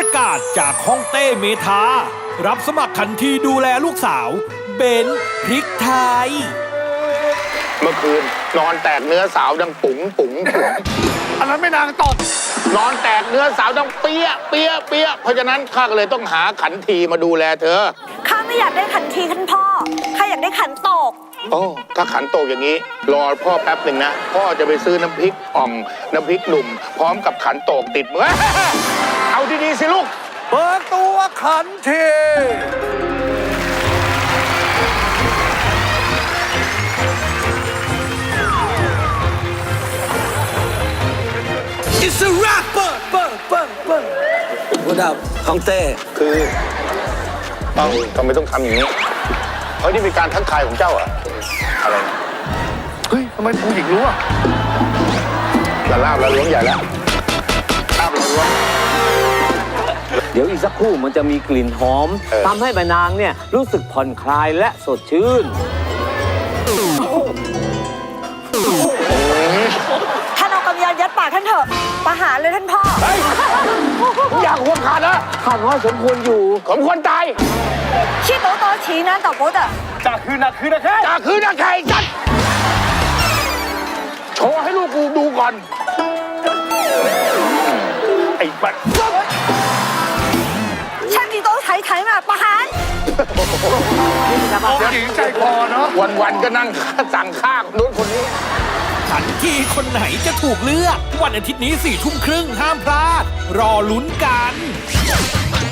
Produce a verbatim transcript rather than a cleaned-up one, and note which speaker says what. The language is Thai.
Speaker 1: ประกาศจากฮ่องเต้เมทารับสมัครขันทีดูแลลูกสาวเบนพริกไทย
Speaker 2: เมื่อคืนนอนแตกเนื้อสาวดังปุ๋งปุ๋งปุ๋งอันนั้นไม่นางตดนอนแตกเนื้อสาวดังเปี้ยเปี้ยเปี้ยเพราะฉะนั้นข้าก็เลยต้องหาขันทีมาดูแลเธอ
Speaker 3: ข้าไม่อยากได้ขันทีท่านพ่อข้าอยากได้ขันโตก
Speaker 2: โอ้ถ้าขันโตกอย่างนี้รอพ่อแป๊บหนึ่งนะพ่อจะไปซื้อน้ำพริกอ่องน้ำพริกหนุ่มพร้อมกับขันโตกติดมือเอาดีๆสิลูก
Speaker 1: เปิดตัวขันที It's a rap เปิดเปิดเปิดเปิดวัดดับฮ่องเต้
Speaker 2: คือต้องทำไมต้องทำอย่างนี้เฮ้ยนี่เป็นการทักทายของเจ้าอะอะไรนะเฮ้ยทำไมผู้หญิงรู้อะละลาบละล้วงใหญ่แล้วลาบละล้วง
Speaker 4: เดี๋ยวอีกสักครู่มันจะมีกลิ่นหอมทำให้แม่นางเนี่ยรู้สึกผ่อนคลายและสดชื่น
Speaker 3: ท่านเอากำยานยัดปากท่านเถอะประหารเลยท่านพ่อ
Speaker 2: อยากหัวขาดนะ
Speaker 4: ข้าว่าสมควรอยู่
Speaker 2: สมควรตาย
Speaker 3: ชี้โตโตชี้นั้นต่อโป๊ดอะ
Speaker 2: จ่าคือนักคือนักแค่จ่าคือนักแค่จัดโชว์ให้ลูกกูดูก่อนไอ้บัด
Speaker 3: ช่างดีโตไถไถมาประหาร
Speaker 2: หญิงใจคอเนาะวันๆก็นั่งสั่งข้านู้นคนนี้
Speaker 1: ขันทีคนไหนจะถูกเลือกวันอาทิตย์นี้สี่ทุ่มครึ่งห้ามพลาดรอลุ้นกัน